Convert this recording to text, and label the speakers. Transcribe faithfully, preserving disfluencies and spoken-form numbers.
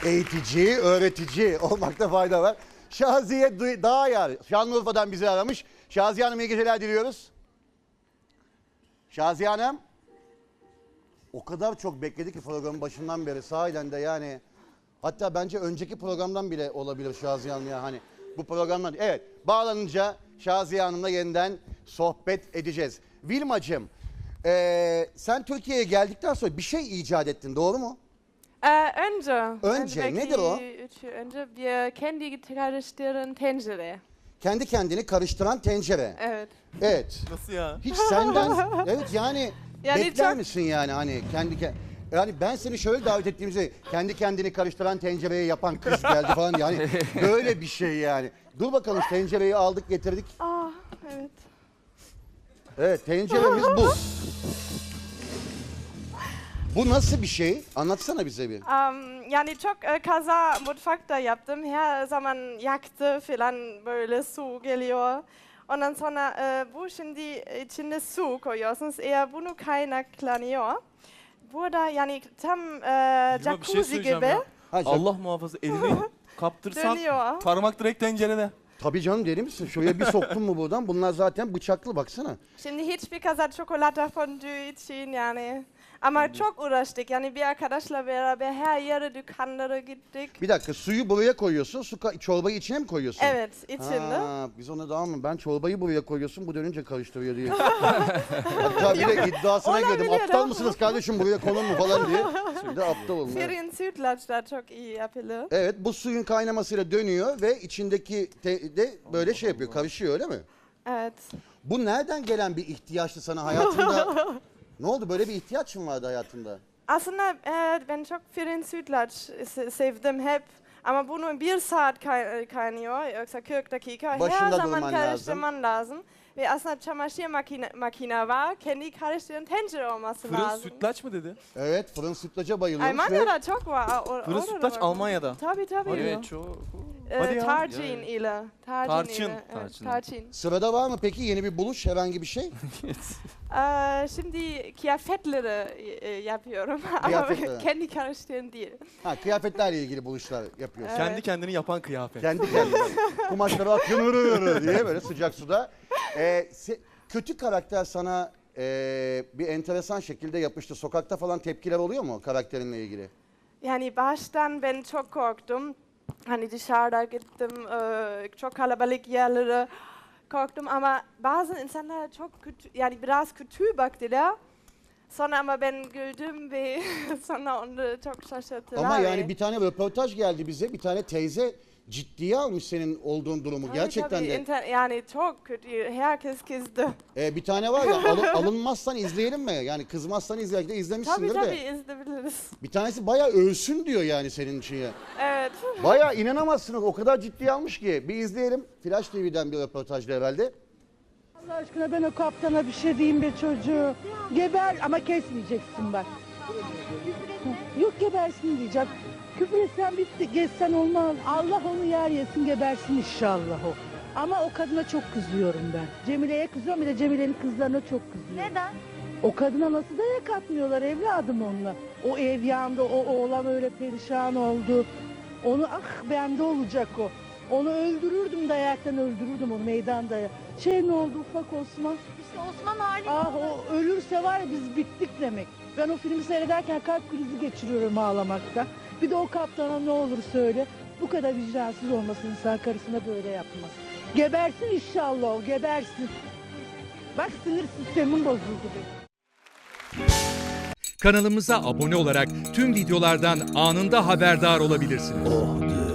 Speaker 1: eğitici, öğretici olmakta fayda var. Şaziye Dağyar, Şanlıurfa'dan bizi aramış. Şaziye Hanım iyi geceler diliyoruz. Şaziye Hanım. O kadar çok bekledi ki programın başından beri sahiden de yani. Hatta bence önceki programdan bile olabilir Şaziye Hanım ya hani. Bu programdan. Evet, bağlanınca Şaziye Hanım'la yeniden sohbet edeceğiz. Vilmacığım, ee, sen Türkiye'ye geldikten sonra bir şey icat ettin, doğru mu?
Speaker 2: Ee, önce.
Speaker 1: Önce,
Speaker 2: belki
Speaker 1: nedir o?
Speaker 2: Üç yıl önce bir kendi karıştıran tencere.
Speaker 1: Kendi kendini karıştıran tencere.
Speaker 2: Evet.
Speaker 1: Evet.
Speaker 3: Nasıl ya?
Speaker 1: Hiç senden, evet yani,
Speaker 2: Yani
Speaker 1: bekler
Speaker 2: çok-
Speaker 1: misin yani hani kendi ke- yani ben seni şöyle davet ettiğimizde kendi kendini karıştıran tencereyi yapan kız geldi falan yani böyle bir şey yani. Dur bakalım tencereyi aldık getirdik.
Speaker 2: Ah, evet.
Speaker 1: Evet tenceremiz bu. Bu nasıl bir şey? Anlatsana bize bir.
Speaker 2: Um, yani çok e, kaza mutfakta yaptım. Her zaman yaktı falan böyle su geliyor. Ondan sonra e, bu şimdi içinde su koyuyorsunuz. Eğer bunu kaynaklanıyor. Burada yani tam e,
Speaker 3: Vilma, bir şey
Speaker 2: jacuzzi
Speaker 3: söyleyeceğim
Speaker 2: gibi
Speaker 3: ya.
Speaker 1: Ha,
Speaker 3: Allah muhafaza elini kaptırsan
Speaker 2: dönüyor.
Speaker 3: parmak direkt tencerede.
Speaker 1: tabii canım deli misin? Şuraya bir soktun mu buradan? Bunlar zaten bıçaklı baksana.
Speaker 2: Şimdi hiçbir kaza çikolata fondü için yani. Ama çok uğraştık yani bir arkadaşla beraber her yere dükkanlara gittik.
Speaker 1: Bir dakika suyu buraya koyuyorsun. Su ka- çorbayı içine mi koyuyorsun?
Speaker 2: Evet içinde.
Speaker 1: Ha, biz ona daha mı? Ben çorbayı buraya koyuyorsun, bu dönünce karıştırıyor diye. Hatta bir de iddiasına girdim.
Speaker 2: Olabilir
Speaker 1: Aptal
Speaker 2: ama.
Speaker 1: mısınız kardeşim buraya konur mu falan diye. Şimdi aptal olun. Evet.
Speaker 2: Firin sütlaçlar çok iyi yapılır.
Speaker 1: Evet, bu suyun kaynamasıyla dönüyor ve içindeki te- de böyle şey yapıyor, karışıyor öyle mi?
Speaker 2: Evet.
Speaker 1: Bu nereden gelen bir ihtiyaçtı sana hayatında? Ne oldu, böyle bir ihtiyaç mı vardı hayatında?
Speaker 2: Aslında e, ben çok firin sütlaç se- sevdim hep. Ama bunu bir saat kay- kaynıyor yoksa kırk dakika.
Speaker 1: Başında
Speaker 2: her zaman
Speaker 1: durman
Speaker 2: karıştırman lazım. Ve aslında çamaşır makine, makine var. Kendi karıştıran tencere olması
Speaker 3: Fırın
Speaker 2: lazım.
Speaker 3: sütlaç mı dedi?
Speaker 1: Evet, fırın sütlaca bayılıyormuş ve
Speaker 2: Almanya'da çok var. O,
Speaker 3: Fırın
Speaker 2: orada
Speaker 3: sütlaç
Speaker 2: var.
Speaker 3: Almanya'da.
Speaker 2: Tabii tabii.
Speaker 3: Evet çok.
Speaker 2: Ee,
Speaker 3: Hadi ya.
Speaker 2: tarçın
Speaker 3: Ya, ya.
Speaker 2: ile. Tarçın.
Speaker 3: Tarçın.
Speaker 2: ile. Evet,
Speaker 3: Tarçın.
Speaker 2: tarçın.
Speaker 1: sırada var mı peki yeni bir buluş, herhangi bir şey?
Speaker 2: Ee, şimdi kıyafetleri e, yapıyorum. Ama
Speaker 1: Kıyafetleri.
Speaker 2: kendi karıştıran değil.
Speaker 1: Ha, kıyafetlerle ilgili buluşlar yapıyorsun.
Speaker 2: Evet.
Speaker 3: Kendi kendini yapan kıyafet.
Speaker 1: Kendi kendine. Kumaşları atıyor hırı hırı diye böyle sıcak suda. Ee, se- kötü karakter sana ee, bir enteresan şekilde yapıştı. Sokakta falan tepkiler oluyor mu karakterinle ilgili?
Speaker 2: Yani baştan ben çok korktum. Hani dışarıda gittim, e, çok kalabalık yerlere korktum ama bazı insanlar çok kötü, yani biraz kötü baktılar. Sonra ama ben güldüm ve sonra onu çok şaşırttılar.
Speaker 1: Ama
Speaker 2: ve-
Speaker 1: yani bir tane röportaj geldi bize. Bir tane teyze ciddiye almış senin olduğun durumu.
Speaker 2: Tabii,
Speaker 1: Gerçekten
Speaker 2: tabii,
Speaker 1: de.
Speaker 2: inter- yani çok kötü, herkes kızdı.
Speaker 1: Ee, bir tane var ya alı- alınmazsan izleyelim mi? Yani kızmazsan izleyelim de
Speaker 2: Tabii
Speaker 1: izlemişsindir
Speaker 2: tabii
Speaker 1: de.
Speaker 2: izleyebiliriz.
Speaker 1: Bir tanesi bayağı ölsün diyor yani senin için ya.
Speaker 2: Evet.
Speaker 1: Bayağı inanamazsınız, o kadar ciddiye almış ki. Bir izleyelim. Flash T V'den bir röportajda herhalde.
Speaker 4: Allah aşkına ben o kaptana bir şey diyeyim be çocuğu. Geber ama kesmeyeceksin bak. Yok gebersin diyeceğim. Küfür etsen bitti, geçsen olmaz. Allah onu yer yesin gebersin inşallah o. Ama o kadına çok kızıyorum ben. Cemile'ye kızıyorum bir de Cemile'nin kızlarına çok kızıyorum.
Speaker 5: Neden?
Speaker 4: O kadına nasıl dayak atmıyorlar evladım onunla. O ev yandı, o oğlan öyle perişan oldu. Onu ah bende olacak o. Onu öldürürdüm dayaktan öldürürdüm onu meydanda. Şey ne oldu ufak Osman?
Speaker 5: İşte Osman halim.
Speaker 4: Ah o ölürse var ya biz bittik demek. Ben o filmi seyrederken kalp krizi geçiriyorum ağlamaktan. Bir de o kaptana ne olur söyle. Bu kadar vicdansız olmasın insan karısına böyle yapmaz. Gebersin inşallah o gebersin. Bak sinir sistemin bozuldu benim.
Speaker 6: Kanalımıza abone olarak tüm videolardan anında haberdar olabilirsiniz.